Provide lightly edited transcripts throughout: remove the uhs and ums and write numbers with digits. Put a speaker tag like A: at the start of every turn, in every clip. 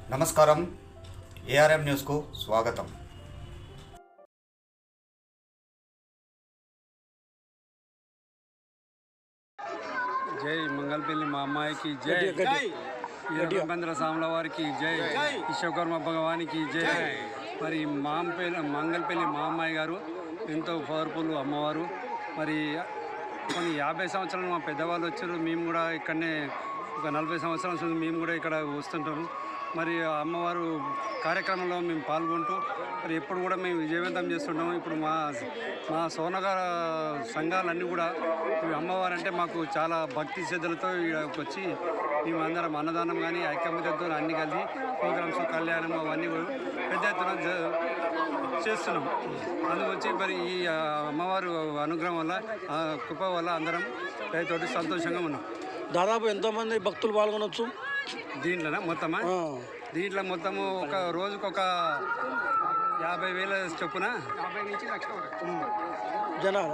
A: నమస్కారం, ఏఆర్ఎం న్యూస్కు స్వాగతం.
B: జై మంగళపల్లి మా అమ్మాయికి జై, వీరబ్రహ్మేంద్ర స్వాముల వారికి జై, విశ్వకర్మ భగవానికి జై. మరి మంగళపల్లి మా అమ్మాయి గారు ఎంతో పవర్ఫుల్ అమ్మవారు. మరి కొన్ని 50 సంవత్సరాలు మా పెద్దవాళ్ళు వచ్చారు. మేము కూడా ఇక్కడనే ఒక 40 సంవత్సరాల నుంచి మేము కూడా ఇక్కడ వస్తుంటాము. మరి అమ్మవారు కార్యక్రమంలో మేము పాల్గొంటూ మరి ఎప్పుడు కూడా మేము విజయవంతం చేస్తుంటాము. ఇప్పుడు మా సోనగర్ సంఘాలన్నీ కూడా ఈ అమ్మవారు అంటే మాకు చాలా భక్తి శ్రద్ధలతో ఇక్కడికి వచ్చి మేము అందరం అన్నదానం కానీ ఐక్యమత్యంతో అన్ని కలిసి ప్రోగ్రామ్స్, కళ్యాణం అవన్నీ పెద్ద ఎత్తున చేస్తున్నాం. అందువచ్చి మరి ఈ అమ్మవారు అనుగ్రహం వల్ల, కృప వల్ల అందరం రైతుతోటి సంతోషంగా ఉన్నాం.
C: దాదాపు ఎంతోమంది భక్తులు పాల్గొనవచ్చు
B: దీంట్లోనా? దీంట్లో మొత్తము ఒక రోజుకు ఒక 50,000 చొప్పున 50 నుంచి 1,00,000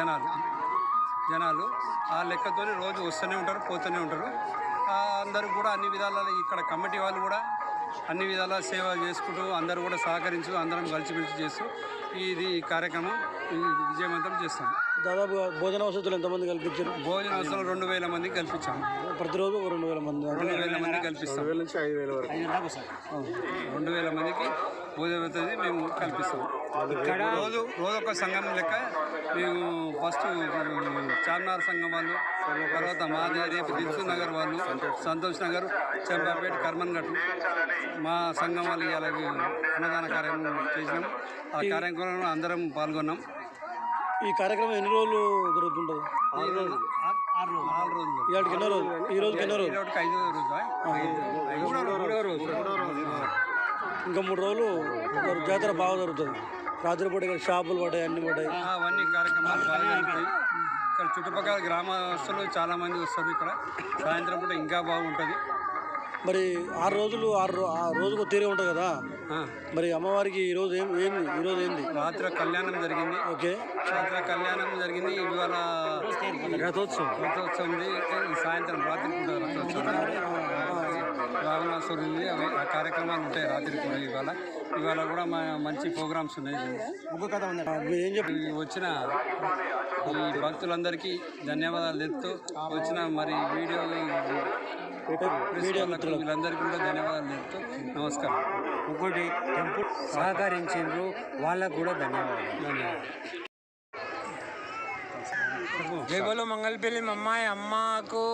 B: జనాలు ఆ లెక్కతో రోజు వస్తూనే ఉంటారు, పోతూనే ఉంటారు. అందరూ కూడా అన్ని విధాల ఇక్కడ కమిటీ వాళ్ళు కూడా అన్ని విధాల సేవ చేసుకుంటూ అందరూ కూడా సహకరించు అందరం కలిసిమెలిసి చేస్తూ ఇది కార్యక్రమం విజయవంతం చేస్తాం.
C: దాదాపు భోజన వసతులు ఎంతమంది కల్పించారు?
B: భోజన వసతులు 2,000 మందికి కల్పించాము.
C: ప్రతిరోజు 2,000 మంది
B: 2,000 మంది కల్పిస్తాం. 2,000 నుంచి 5,000 వరకు 2,000 మందికి భోజన వసతి మేము కల్పిస్తాం. ఇక్కడ రోజు ఒక సంఘం లెక్క మేము ఫస్ట్ చార్మినార్ సంఘం వాళ్ళు, తర్వాత మాది రేపు దిల్సుఖ్ నగర్ వాళ్ళు, సంతోష్ నగర్, చంపాపేట, కర్మన్ ఘట్ మా సంఘం వాళ్ళు అలాగే అన్నదాన కార్యక్రమం చేసినాం. ఆ కార్యక్రమంలో అందరం పాల్గొన్నాం.
C: ఈ కార్యక్రమం ఎన్ని రోజులు జరుగుతుంటుంది?
B: 6 రోజులు.
C: ఈ రోజుకి 5వ రోజు. ఇంకా 3 రోజులు జాతర బాగా జరుగుతుంది. రాత్రిపూట ఇక్కడ షాపులు పడ్డాయి, అన్ని పడ్డాయి.
B: అవన్నీ కార్యక్రమాలు బాగా జరుగుతాయి. ఇక్కడ చుట్టుపక్కల గ్రామస్తులు చాలామంది వస్తారు. ఇక్కడ సాయంత్రం పూట ఇంకా బాగుంటుంది.
C: మరి 6 రోజులు రోజుకు తీరే ఉంటుంది కదా. మరి అమ్మవారికి ఈరోజు ఏంది?
B: రాత్రి కళ్యాణం జరిగింది.
C: ఓకే,
B: రాత్రి కళ్యాణం జరిగింది. ఇవాళ రథోత్సవం ఉంది. సాయంత్రం రాత్రి పూట రథోత్సవం, రావణాసురు ఉంది. అవి ఆ కార్యక్రమాలు ఉంటాయి రాత్రి కూడా. ఇవాళ కూడా మంచి ప్రోగ్రామ్స్ ఉన్నాయి.
C: ఏం చెప్పి
B: వచ్చిన ఈ భక్తులందరికీ ధన్యవాదాలు తెలుపుతూ, వచ్చిన మరి వీళ్ళందరికీ కూడా ధన్యవాదాలు తెలుపుతూ నమస్కారం.
D: ఇంకోటి టెంపుల్ సహకరించారు, వాళ్ళకు కూడా ధన్యవాదాలు. జై బోలో మంగళపల్లి అమ్మాయి అమ్మకు.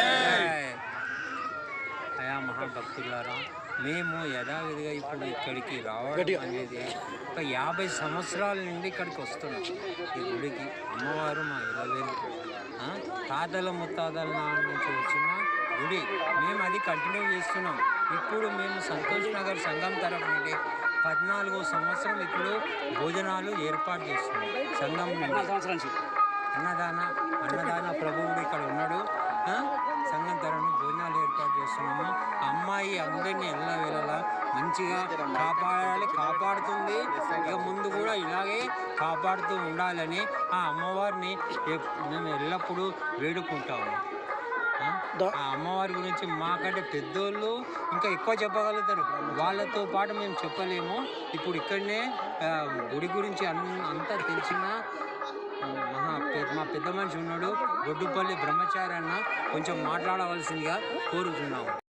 D: అయా మహాభక్తులారా, మేము యథావిధిగా ఇప్పుడు ఇక్కడికి రావడం అనేది ఒక 50 సంవత్సరాల నుండి ఇక్కడికి వస్తున్నాం. ఈ గుడికి అమ్మవారు మా ఇలవేలు తాతల ముత్తాతల నుంచి వచ్చిన గుడి. మేము అది కంటిన్యూ చేస్తున్నాం. ఇప్పుడు మేము సంతోష్ నగర్ సంఘం తరఫు నుండి 14వ సంవత్సరం ఇప్పుడు భోజనాలు ఏర్పాటు చేస్తున్నాం. సంఘం నుండి అన్నదాన ప్రభువుడు ఇక్కడ ఉన్నాడు. సంఘం తరఫున భోజనాలు ఏర్పాటు చేస్తున్నాము. అమ్మాయి అందరినీ ఎల్లవేళలా మంచిగా కాపాడుతుంది. ఇక ముందు కూడా ఇలాగే కాపాడుతూ ఉండాలని ఆ అమ్మవారిని మేము ఎల్లప్పుడూ వేడుకుంటాము. ఆ అమ్మవారి గురించి మాకంటే పెద్దోళ్ళు ఇంకా ఎక్కువ చెప్పగలుగుతారు. వాళ్ళతో పాటు మేము చెప్పలేము. ఇప్పుడు ఇక్కడనే గుడి గురించి అంతా తెలిసిన మా పెద్ద మనిషి ఉన్నాడు, గొడ్డుపల్లి బ్రహ్మచారి అన్న, కొంచెం మాట్లాడవలసిందిగా కోరుతున్నాము.